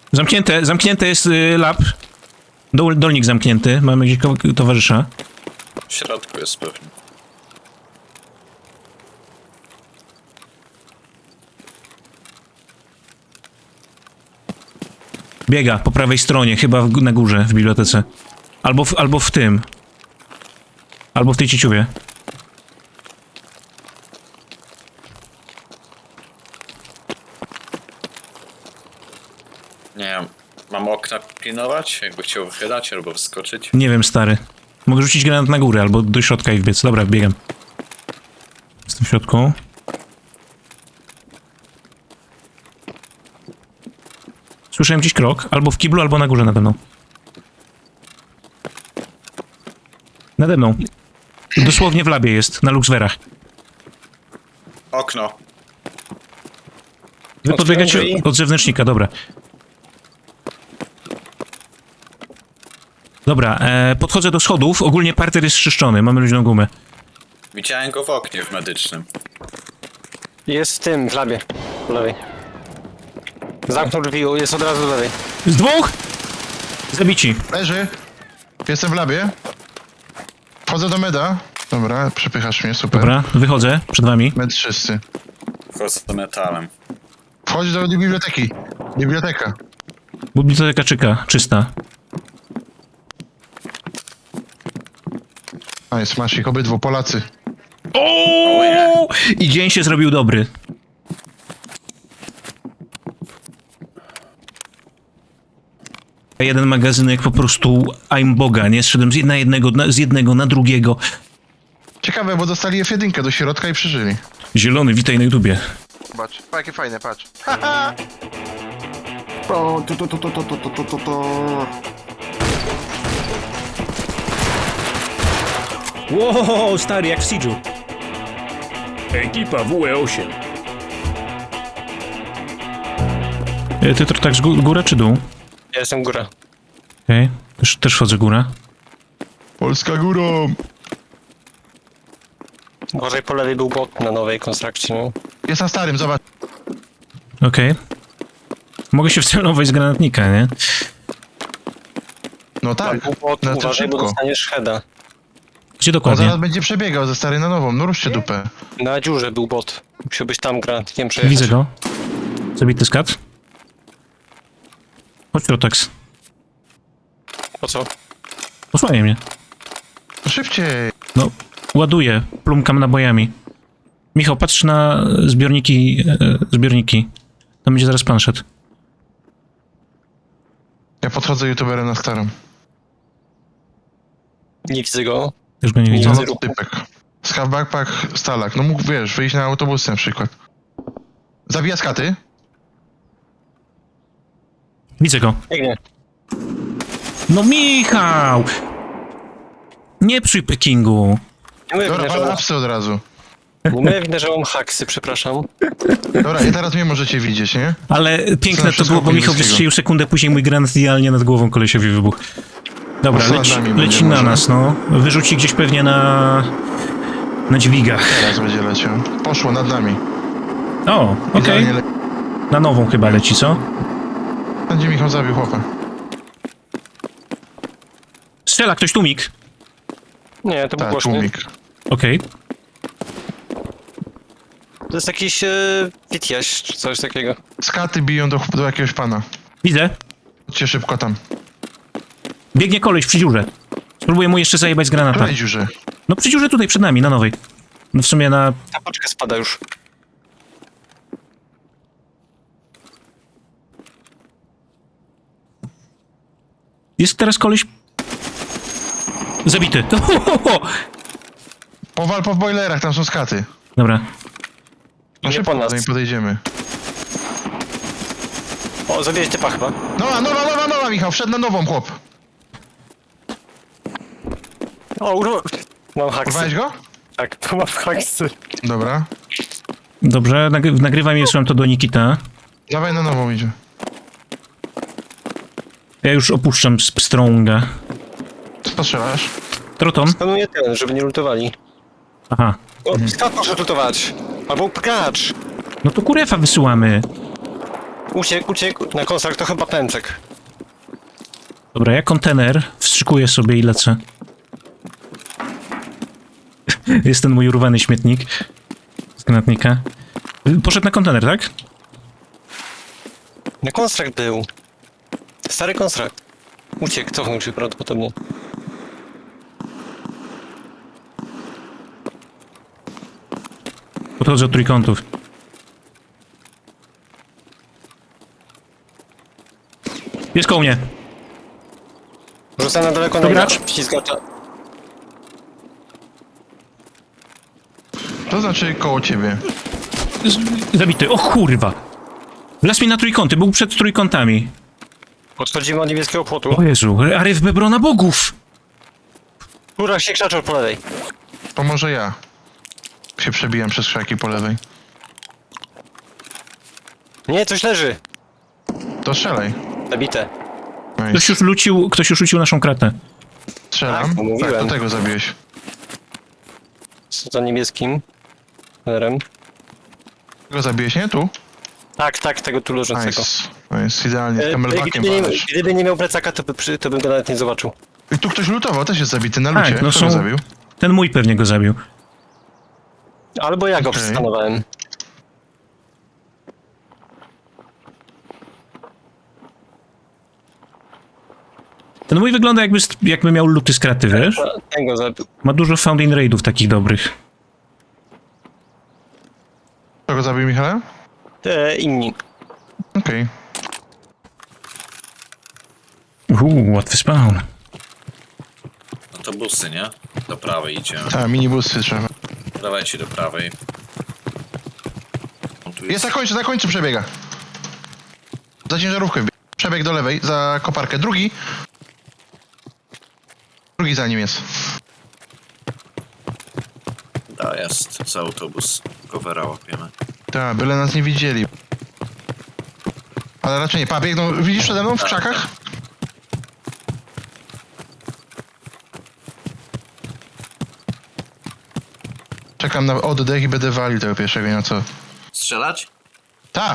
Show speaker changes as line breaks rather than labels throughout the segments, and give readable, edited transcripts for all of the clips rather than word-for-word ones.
Zamknięte jest lab. Dolnik zamknięty. Mamy gdzieś towarzysza.
W środku jest pewnie.
Biega po prawej stronie, chyba na górze, w bibliotece. Albo w tym. Albo w tej cieciuwie.
Nie wiem, mam okna pilnować? Jakby chciał wychylać albo wskoczyć?
Nie wiem, stary. Mogę rzucić granat na górę, albo do środka i wbiec. Dobra, biegam. Jestem w środku. Słyszałem gdzieś krok. Albo w kiblu, albo na górze nade mną. Nade mną. Dosłownie w labie jest, na Luxwerach.
Okno.
Wy podbiegacie od zewnętrznika, dobra. Dobra, podchodzę do schodów. Ogólnie parter jest czyszczony, mamy luźną gumę.
Widziałem go w oknie w medycznym.
Jest w tym, w labie. Po lewej. Zamknął drzwi, jest od razu do lewej.
Z dwóch! Zabici.
Leży. Jestem w labie. Wchodzę do meda. Dobra, przepychasz mnie, super.
Dobra, wychodzę przed wami.
Med czysty.
Wchodzę metalem.
Wchodź do biblioteki. Biblioteka.
Biblioteka czysta.
A jest, masz ich obydwu, Polacy.
O! I dzień się zrobił dobry. Jeden magazynek po prostu I'm Boga, nie? Zszedłem z jednego na drugiego.
Ciekawe, bo dostali F1 do środka i przeżyli.
Zielony, witaj na YouTubie.
Patrz, jakie fajne, patrz.
Wow, stary, jak w Siege'u.
Ekipa WE8.
Ty to tak z góra czy dół?
Ja jestem góra.
Okej, też wchodzę góra.
Polska górą!
Gorzej po lewej był bot na nowej konstrukcji, no.
Jest na starym, zobacz.
Okej. Mogę się wcelować z granatnika, nie?
No tak,
Był bot,
no to
uważaj, bo
szybko.
dostaniesz heada.
Gdzie
On
dokładnie?
zaraz będzie przebiegał ze starej na nową, no ruszcie dupę.
Na dziurze był bot. Musiałbyś tam granatnikiem przejechać.
Widzę go. Zabity skat. Chodź, Rotax.
Po co?
Posłanie mnie.
No szybciej.
No, ładuję. Plumkam nabojami. Michał, patrz na zbiorniki. Tam będzie zaraz pan szedł.
Ja podchodzę youtuberem na starą.
Nie widzę go.
Już go nie widzę.
Co
Widzę
to typek? Schaw backpack, stalak. No mógł, wiesz, wyjść na autobus na przykład. Zabija skaty.
Widzę go.
Biegnie.
No Michał! Nie przy Pekingu.
Nie mówię,
Dobra,
że
ale
mam,
apsy od razu.
mówię, że mam haksy, przepraszam.
Dobra, i teraz mnie możecie widzieć, nie?
Ale piękne
Zawsze
to było, bo
skoku
Michał
niebieskiego.
wystrzelił sekundę później, mój granat idealnie nad głową kolesiowi wybuchł. Dobra,
Poza nami
leci
będzie
na
może.
nas, no. Wyrzuci gdzieś pewnie na dźwigach.
Teraz będzie leciał. Poszło nad nami.
O, okej.
Idealnie
Na nową chyba leci, co?
Będzie Michał zabił chłopa.
Tak, Strzela ktoś tłumik.
Nie, to był
Tak,
głośny.
tłumik.
Okej.
To jest jakiś witjaś czy coś takiego.
Skaty biją do jakiegoś pana.
Widzę.
Chodźcie szybko tam.
Biegnie koleś przy dziurze. Spróbuję mu jeszcze zajebać z granata.
Której dziurze?
No przy dziurze tutaj przed nami, na nowej. No w sumie na...
Ta paczka spada już.
Jest teraz koleś... Zabity.
Powal po boilerach, tam są skaty.
Dobra.
No
Nie
szybko
po nas.
do niej podejdziemy.
O, zabiłeś typa chyba.
Nowa, Michał, wszedł na nową, chłop.
O, mam haksy.
Urwałeś go?
Tak, to mam haksy.
Dobra.
Dobrze, nagrywam i wysyłam to do Nikita.
Dawaj na nową idzie.
Ja już opuszczam Stronga.
Co strzelasz?
Troton?
Skanuję ten, żeby nie lutowali.
Aha.
O, skat może lutować. Albo pkacz.
No to kurefa wysyłamy.
Uciekł. Na konstrakt to chyba pęczek.
Dobra, ja kontener wstrzykuję sobie i lecę. Jest ten mój urwany śmietnik z granatnika. Poszedł na kontener, tak?
Na konstrakt był. Stary konstrakt. Uciekł, cofnął się prawdopodobnie.
Podchodzę od trójkątów. Jest koło mnie.
Rzucę na daleko
To
na
gracz?
Ślizgacza.
To znaczy koło ciebie.
Zabity. O kurwa. Wlazł mi na trójkąty, był przed trójkątami.
Podchodzimy od niebieskiego płotu.
O Jezu, Aryf Bebrona Bogów!
Góra się krzaczał po lewej.
To może ja się przebijam przez krzaki po lewej.
Nie, coś leży.
To strzelaj.
Zabite.
Ktoś już rzucił naszą kratę.
Strzelam.
Tak, mówiłem.
Tak, do tego zabiłeś.
Za niebieskim. Lerem.
Tego zabiłeś, nie? Tu?
Tak, tego tu leżącego.
Nice, idealnie. Z kamelbakiem palasz.
Gdyby nie miał plecaka, to bym go nawet nie zobaczył.
I tu ktoś lutował, też jest zabity na
Tak,
lucie.
no
Kto go
są-
zabił?
Ten mój pewnie go zabił.
Albo ja go
Okej.
przestanowałem.
Ten mój wygląda jakby miał luty z kraty, wiesz?
Ten go zabił.
Ma dużo found-in raidów takich dobrych.
Kto go zabił, Michale?
Inni.
Okej.
Łatwy spawn.
Autobusy, nie? Do prawej idziemy.
A, minibusy trzeba.
Dawajcie do prawej. On tu
Jest na końcu przebiega. Za ciężarówkę wbieg. Przebieg do lewej, za koparkę. Drugi za nim jest.
Da, jest. Za autobus. Covera łapiemy.
Tak, byle nas nie widzieli. Ale raczej nie. Pa, biegną. Widzisz przede mną w krzakach? Czekam na oddech i będę walił tego pierwszego, nie ma co.
Strzelać?
Ta!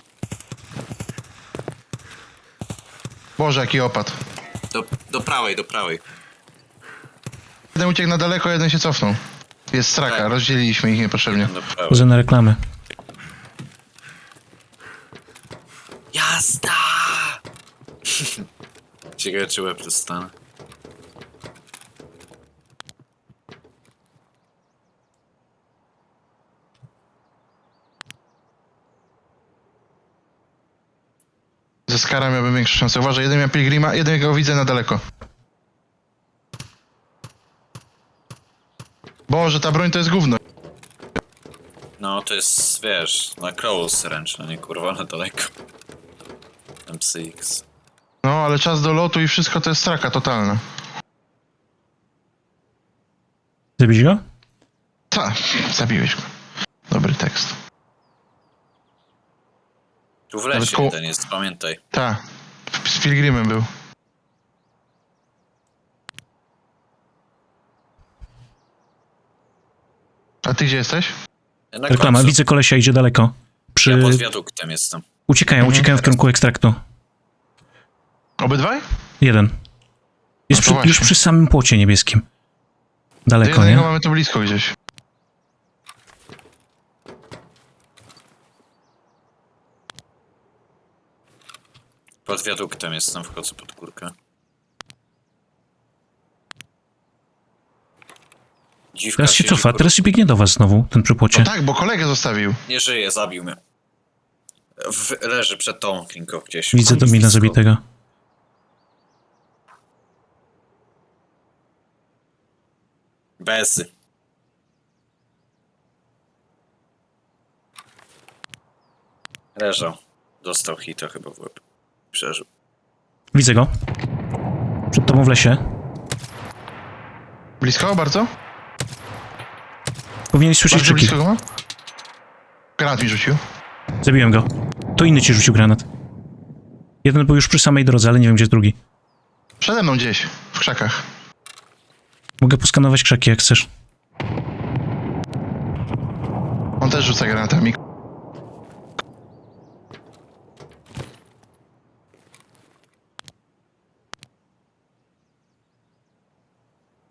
Boże, jaki opad.
Do prawej, do prawej.
Jeden uciekł na daleko, jeden się cofnął. Jest straka,
Tak.
rozdzieliliśmy ich niepotrzebnie.
Do prawej.
Chodzę na reklamę.
Jazda! Ciekawe, czy łeb dostanę.
Ze Skara miałbym większe szanse. Uważaj, jeden miał Pilgrima, jeden go widzę na daleko. Boże, ta broń to jest gówno.
No, to jest, wiesz, na close ręczne, nie kurwa na daleko. MCX.
No, ale czas do lotu i wszystko to jest straka totalna.
Zabić go?
Ta, zabiłeś go. Dobry tekst.
Tu w
Nawet
lesie
koło-
jeden jest, pamiętaj.
Ta, z Pilgrimem był. A ty gdzie jesteś?
Na
Reklama,
końcu.
widzę kolesia, idzie daleko.
Ja pod wiaduktem jestem.
Uciekają w kierunku ekstraktu.
Obydwaj?
Jeden. Jest
No to
już
właśnie.
przy samym płocie niebieskim.
Do
Daleko,
jednego
nie?
mamy tu blisko gdzieś.
Pod wiaduktem jestem, wchodzę pod górkę. Dziwka
Teraz się
siedzi,
cofa,
kurwa.
teraz się biegnie do was znowu, ten przy płocie.
No tak, bo kolegę zostawił.
Nie żyje, zabił mnie. Leży przed tą klinką gdzieś.
Widzę
Kurwa,
domina
blisko.
zabitego.
Bezy. Leżał. Dostał hita chyba w łeb. Przeżył.
Widzę go. Przed tobą w lesie.
Blisko bardzo?
Powinieneś słyszeć
Bardzo
krzyki.
blisko go ma? Granat mi rzucił.
Zabiłem go. To inny ci rzucił granat. Jeden był już przy samej drodze, ale nie wiem, gdzie jest drugi.
Przede mną gdzieś, w krzakach.
Mogę poskanować krzaki, jak chcesz.
On też rzuca granatami.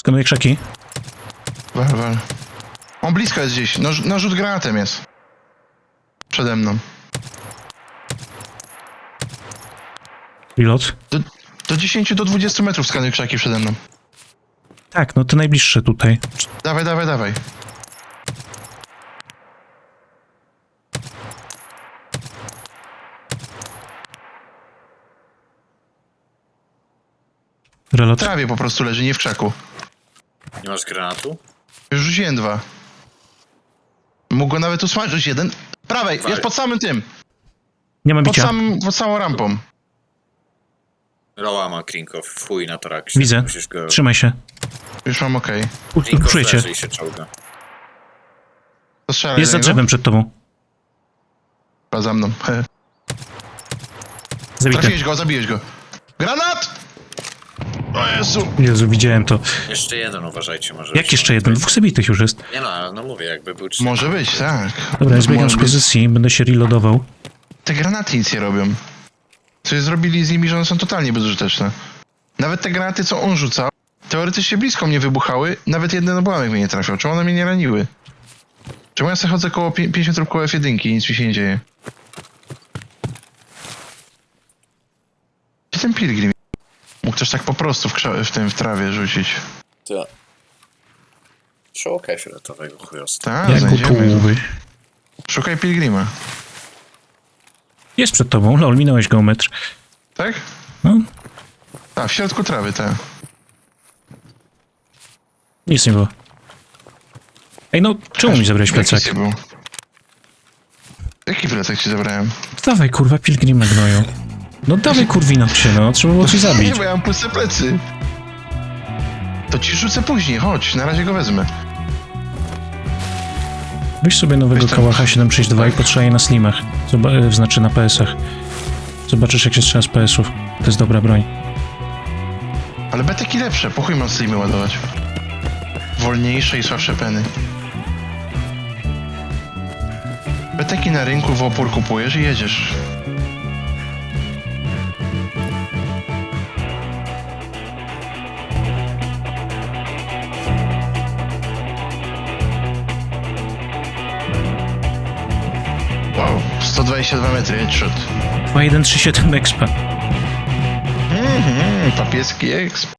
Skanuję krzaki.
Wal. On blisko jest gdzieś. No rzut granatem jest. Przede mną.
Reload.
Do 10 do 20 metrów skanuj krzaki przede mną.
Tak, no te najbliższe tutaj.
Dawaj. W
Reload.
trawie po prostu leży, nie w krzaku.
Nie masz granatu?
Już rzuciłem 2. Mógł go nawet usmażyć jeden. Prawej, jest pod samym tym.
Nie ma bicia.
Pod samą rampą.
Roła ma Krinkow, w chuj na toraksie.
Widzę.
Musisz go...
Trzymaj się.
Już mam okej.
Krinkow
Puszuję cię.
leży i się czołga.
To strzelaj
Jest
do
za
niego.
drzewem przed tobą.
Chyba za mną.
Zabity.
Zabiłeś go. Granat! O Jezu!
Jezu, widziałem to.
Jeszcze jeden, uważajcie, może.
Jak jeszcze jeden? Dwóch zabitych już jest.
Nie no, no mówię, jakby był 3.
Może być, tak.
Dobra, ja zbiegam
Może
z
być.
pozycji, będę się reloadował.
Te granaty nic nie robią. Coś zrobili z nimi, że one są totalnie bezużyteczne. Nawet te granaty, co on rzucał, teoretycznie blisko mnie wybuchały, nawet jeden obłamek mnie nie trafiał. Czemu one mnie nie raniły? Czemu ja sobie chodzę koło 5 metrów koło F1 i nic mi się nie dzieje? Gdzie ten pilgrim? Mógł też tak po prostu w trawie rzucić.
To... Czołka fioletowego chujostwa.
Tak,
Jak
znajdziemy.
utułby.
Szukaj pilgrima.
Jest przed tobą, lol, minąłeś geometr.
Tak?
No,
A, w środku trawy, tak.
nic nie było. Ej, no, czemu mi zabrałeś
Jaki
plecak?
ci był? Jaki plecak ci zabrałem?
Dawaj, kurwa, pilgrima gnoju. No dawaj, kurwino się, no, trzeba było coś zabić.
Nie, bo ja mam puste plecy. To ci rzucę później, chodź, na razie go wezmę.
Weź sobie nowego
Weź tam.
Kałacha 762 i potrzebaj na slimach. Znaczy na PS-ach. Zobaczysz, jak się strzela z PS-ów. To jest dobra broń.
Ale beteki lepsze, po chuj mam slimy ładować. Wolniejsze i słabsze peny. Beteki na rynku w opór kupujesz i jedziesz. Wow, 122 metry, headshot.
2137 expa.
Papieski exp.